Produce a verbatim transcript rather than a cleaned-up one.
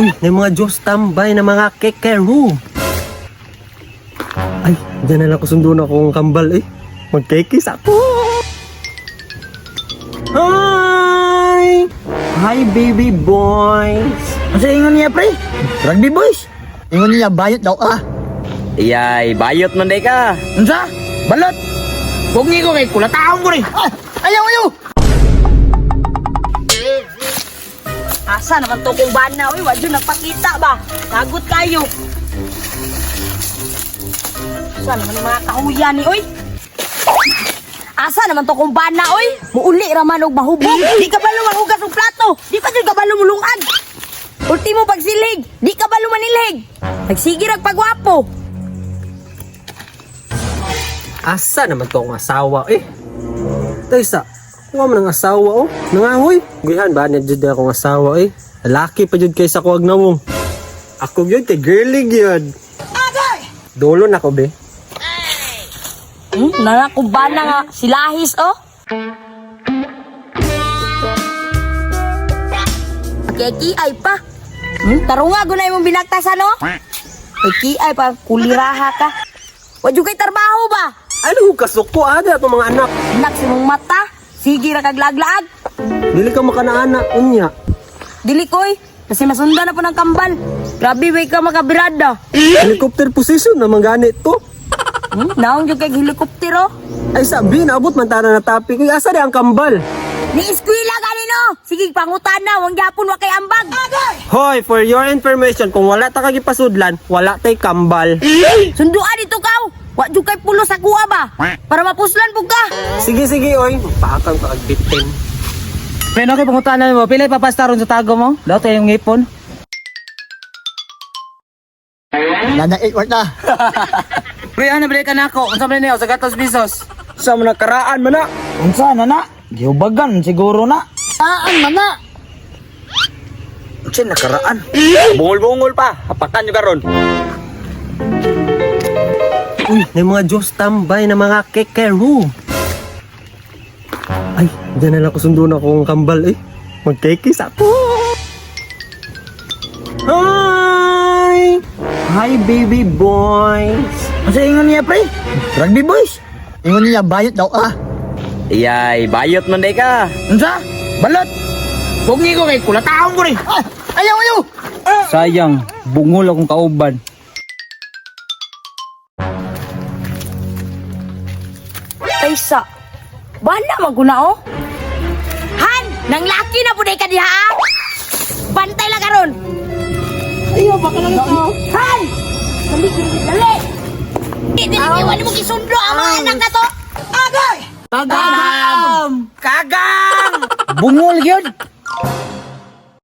Uy, may mga Diyos tambay na mga kekeru. Ay, dyan na lang ko sundo na akong kambal eh. Magkekis ako. Hi! Hi, baby boys. Asa ingon niya, pre? Rugby boys. Ingon niya, bayot daw ah. Iyay, bayot man day ka. Unsa? Balot. Bungi ko kay kulataon ko rin. Ah, ayaw, ayaw. Asa naman to kung bana, uy, wadyo nagpakita ba? Lagot kayo. Asa naman yung mga kahuyan ni, uy? Asa naman to kung bana, uy? Muuli raman og mahubog. Di ka balo mahugas og plato. Di pa dyan ka balo mulungan. Ultimo pagsilig, di ka balo manilhig. Nagsige rag pagwapo. Asa naman to akong asawa eh. Taysa, kuha mo ng asawa oh. Nangangoy. Guyan ba niya dyan akong asawa eh. Lalaki pa dyan kaysa kuwag na mong. Ako yun kay girly yun. Dolo na ko be. Hmm, nana kung bana nga, silahis, oh. Kiay pa. Hmm, tarunga gunay mong binagtasan, no? Ay, kiay pa, kuliraha ka. Wadyo kay trabaho ba? Ano kasuko ada itong mga anak. Anak si mong mata, sige ra kaglaglaag. Dili ka makanaana unya. Dili koy, kasi masunda na po ng kambal. Grabe, way ka makabirada. Helicopter position naman ganit to. Hmm, naong yung kay helikoptero. Ay sabi, naabot man tara na topic. Uy, asa di ang kambal? Ni eskwela ganino. Sige, pangutan na, wang yapon wa kay ambag. Hoy, for your information, kung wala ta kagipasudlan, wala tay kambal. Sunduan dito kaw. Wa jud kay pulo sa kuha ba? Para mapuslan pug ka. Sige, sige, oy. Magpaakang ka agbitin. Pre, no kay pangutanan mo, pila ipapastaron sa tago mo? Daw tayo yung ngipon. Nana eight word na. Pre, ano bili ka na ako? Unsa man niyo sa gatos bisos? Sa mga karaan man na. Unsa na na? Giubagan siguro na. Saan man na? Unsa nakaraan? Bungol-bungol pa. Hapakan nyo karon. Uy, may mga Diyos tambay na mga kekeru. Ay, dyan na lang ko sundo na akong kambal eh. Magkekis ako. Hi! Hi, baby boys. Asa ingon niya, pre? Rugby boys. Ingon niya, bayot daw ah. Iyay, bayot man day ka. Unsa? Balot. Bungi ko kay kulataon ko rin. Ah, ayaw, ayaw. Sayang, bungol akong kauban. Kaysa. Bana maguna oh. Han, nang laki na puday ka diha. ah. Bantay lang karon. Ayaw baka lang ito. Han! Dali, dali, dali. Di, dili, iwan mo kisundo ang mga anak na to. Agay! Kagam! Kagang! Bungol yun.